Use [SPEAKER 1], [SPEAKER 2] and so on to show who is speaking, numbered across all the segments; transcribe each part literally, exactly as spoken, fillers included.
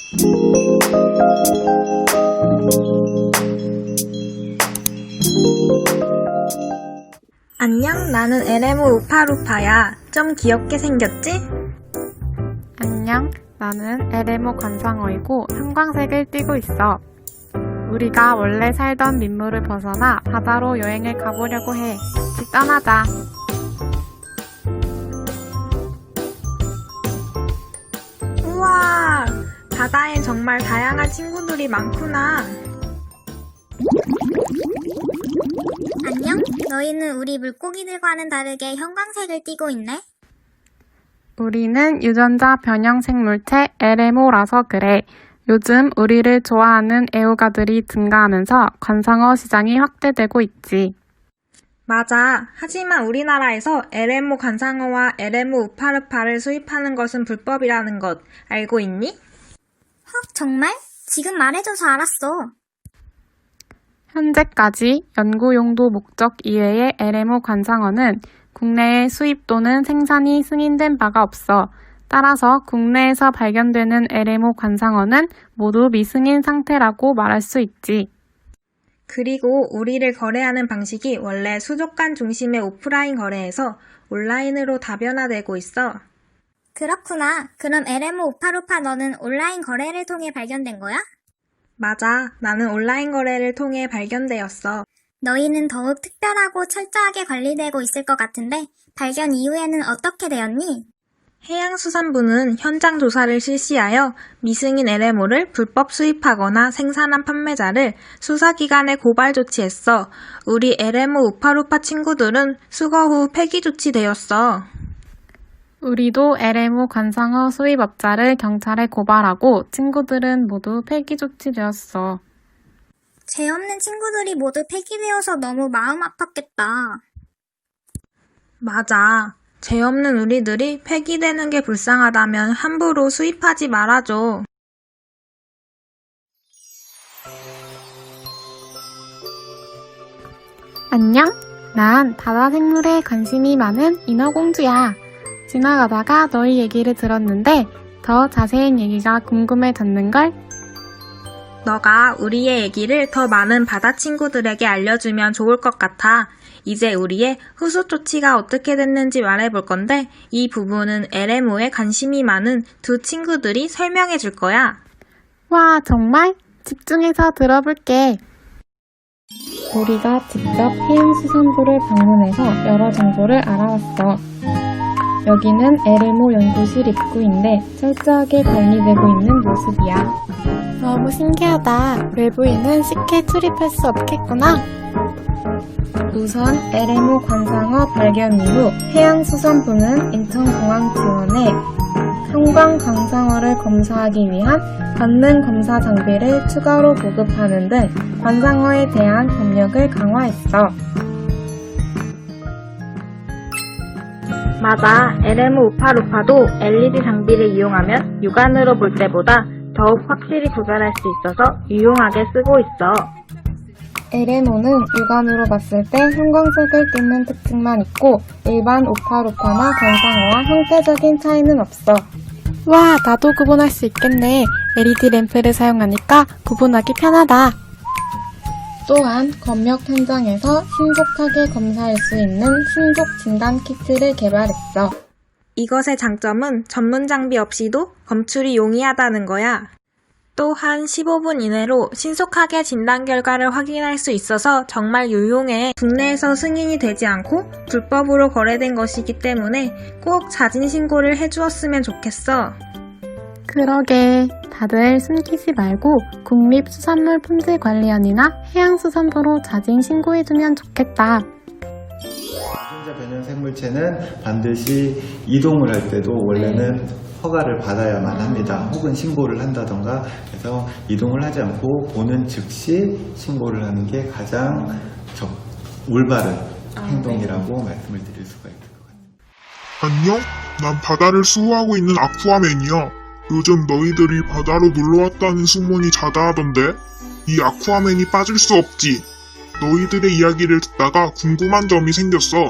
[SPEAKER 1] 안녕, 나는 엘엠오 우파루파야. 좀 귀엽게 생겼지?
[SPEAKER 2] 안녕, 나는 엘엠오 관상어이고 형광색을 띠고 있어. 우리가 원래 살던 민물을 벗어나 바다로 여행을 가보려고 해. 같이 떠나자.
[SPEAKER 1] 우와, 바다엔 정말 다양한 친구들이 많구나.
[SPEAKER 3] 안녕? 너희는 우리 물고기들과는 다르게 형광색을 띠고 있네?
[SPEAKER 2] 우리는 유전자 변형 생물체 엘엠오라서 그래. 요즘 우리를 좋아하는 애호가들이 증가하면서 관상어 시장이 확대되고 있지.
[SPEAKER 1] 맞아. 하지만 우리나라에서 엘엠오 관상어와 엘엠오 우파르파를 수입하는 것은 불법이라는 것 알고 있니?
[SPEAKER 3] 헉, 정말? 지금 말해줘서 알았어.
[SPEAKER 2] 현재까지 연구용도 목적 이외의 엘엠오 관상어는 국내에 수입 또는 생산이 승인된 바가 없어. 따라서 국내에서 발견되는 엘엠오 관상어는 모두 미승인 상태라고 말할 수 있지.
[SPEAKER 1] 그리고 우리를 거래하는 방식이 원래 수족관 중심의 오프라인 거래에서 온라인으로 다변화되고 있어.
[SPEAKER 3] 그렇구나. 그럼 엘엠오 우파루파 너는 온라인 거래를 통해 발견된 거야?
[SPEAKER 1] 맞아. 나는 온라인 거래를 통해 발견되었어.
[SPEAKER 3] 너희는 더욱 특별하고 철저하게 관리되고 있을 것 같은데 발견 이후에는 어떻게 되었니?
[SPEAKER 1] 해양수산부는 현장 조사를 실시하여 미승인 엘엠오를 불법 수입하거나 생산한 판매자를 수사기관에 고발 조치했어. 우리 엘엠오 우파루파 친구들은 수거 후 폐기 조치되었어.
[SPEAKER 2] 우리도 엘엠오 관상어 수입업자를 경찰에 고발하고 친구들은 모두 폐기 조치되었어.
[SPEAKER 3] 죄 없는 친구들이 모두 폐기되어서 너무 마음 아팠겠다.
[SPEAKER 1] 맞아. 죄 없는 우리들이 폐기되는 게 불쌍하다면 함부로 수입하지 말아줘.
[SPEAKER 2] 안녕? 난 바다 생물에 관심이 많은 인어공주야. 지나가다가 너희 얘기를 들었는데 더 자세한 얘기가 궁금해졌는걸?
[SPEAKER 1] 너가 우리의 얘기를 더 많은 바다 친구들에게 알려주면 좋을 것 같아. 이제 우리의 후속 조치가 어떻게 됐는지 말해볼 건데 이 부분은 엘엠오에 관심이 많은 두 친구들이 설명해 줄 거야.
[SPEAKER 2] 와, 정말? 집중해서 들어볼게. 우리가 직접 해양수산부를 방문해서 여러 정보를 알아왔어. 여기는 엘엠오 연구실 입구인데 철저하게 관리되고 있는 모습이야. 너무 신기하다. 외부인은 쉽게 출입할 수 없겠구나. 우선 엘엠오 관상어 발견 이후 해양수산부는 인천공항 지원에 형광 관상어를 검사하기 위한 받는 검사 장비를 추가로 보급하는 등 관상어에 대한 법력을 강화했어.
[SPEAKER 1] 맞아. 엘엠오 우파루파도 엘이디 장비를 이용하면 육안으로 볼 때보다 더욱 확실히 구별할 수 있어서 유용하게 쓰고 있어.
[SPEAKER 2] 엘엠오는 육안으로 봤을 때 형광색을 띠는 특징만 있고 일반 우파루파나 관상어와 형태적인 차이는 없어. 와, 나도 구분할 수 있겠네. 엘이디 램프를 사용하니까 구분하기 편하다. 또한 검역 현장에서 신속하게 검사할 수 있는 신속 진단 키트를 개발했어.
[SPEAKER 1] 이것의 장점은 전문 장비 없이도 검출이 용이하다는 거야. 또한 십오 분 이내로 신속하게 진단 결과를 확인할 수 있어서 정말 유용해. 국내에서 승인이 되지 않고 불법으로 거래된 것이기 때문에 꼭 자진 신고를 해주었으면 좋겠어.
[SPEAKER 2] 그러게. 다들 숨기지 말고 국립수산물품질관리원이나 해양수산부로 자진 신고해주면 좋겠다.
[SPEAKER 4] 유전자 변형 생물체는 반드시 이동을 할 때도 원래는 허가를 받아야만 합니다. 혹은 신고를 한다던가 해서 이동을 하지 않고 보는 즉시 신고를 하는 게 가장 적, 올바른 아, 행동이라고 네. 말씀을 드릴 수가 있을 것 같아요.
[SPEAKER 5] 안녕? 난 바다를 수호하고 있는 아쿠아맨이야. 요즘 너희들이 바다로 놀러왔다는 소문이 자자하던데? 이 아쿠아맨이 빠질 수 없지. 너희들의 이야기를 듣다가 궁금한 점이 생겼어.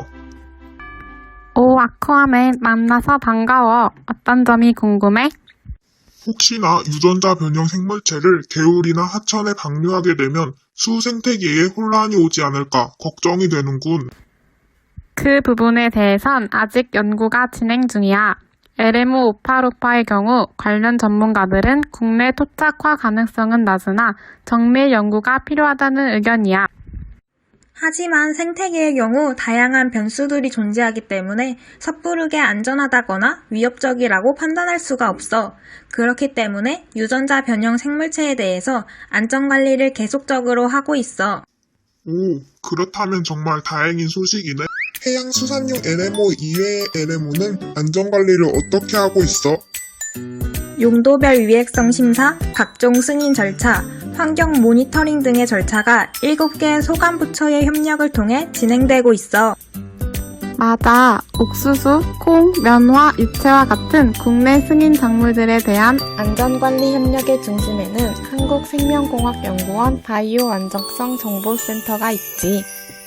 [SPEAKER 2] 오, 아쿠아맨 만나서 반가워. 어떤 점이 궁금해?
[SPEAKER 5] 혹시나 유전자 변형 생물체를 개울이나 하천에 방류하게 되면 수 생태계에 혼란이 오지 않을까 걱정이 되는군.
[SPEAKER 2] 그 부분에 대해선 아직 연구가 진행 중이야. 엘엠오 오파로파의 경우 관련 전문가들은 국내 토착화 가능성은 낮으나 정밀 연구가 필요하다는 의견이야.
[SPEAKER 1] 하지만 생태계의 경우 다양한 변수들이 존재하기 때문에 섣부르게 안전하다거나 위협적이라고 판단할 수가 없어. 그렇기 때문에 유전자 변형 생물체에 대해서 안전관리를 계속적으로 하고 있어.
[SPEAKER 5] 오, 그렇다면 정말 다행인 소식이네. 해양수산용 엘엠오 이외의 엘엠오는 안전관리를 어떻게 하고 있어?
[SPEAKER 1] 용도별 위해성 심사, 각종 승인 절차, 환경 모니터링 등의 절차가 일곱 개의 소관부처의 협력을 통해 진행되고 있어.
[SPEAKER 2] 맞아. 옥수수, 콩, 면화, 유채와 같은 국내 승인 작물들에 대한 안전관리 협력의 중심에는 한국생명공학연구원 바이오 안정성 정보센터가 있지.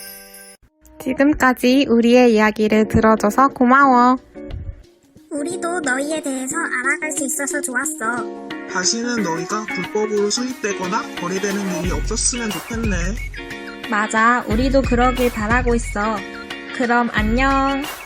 [SPEAKER 2] 지금까지 우리의 이야기를 들어줘서 고마워.
[SPEAKER 3] 우리도 너희에 대해서 알아갈 수 있어서 좋았어.
[SPEAKER 6] 다시는 너희가 불법으로 수입되거나 거래되는 일이 없었으면 좋겠네.
[SPEAKER 1] 맞아, 우리도 그러길 바라고 있어. 그럼 안녕.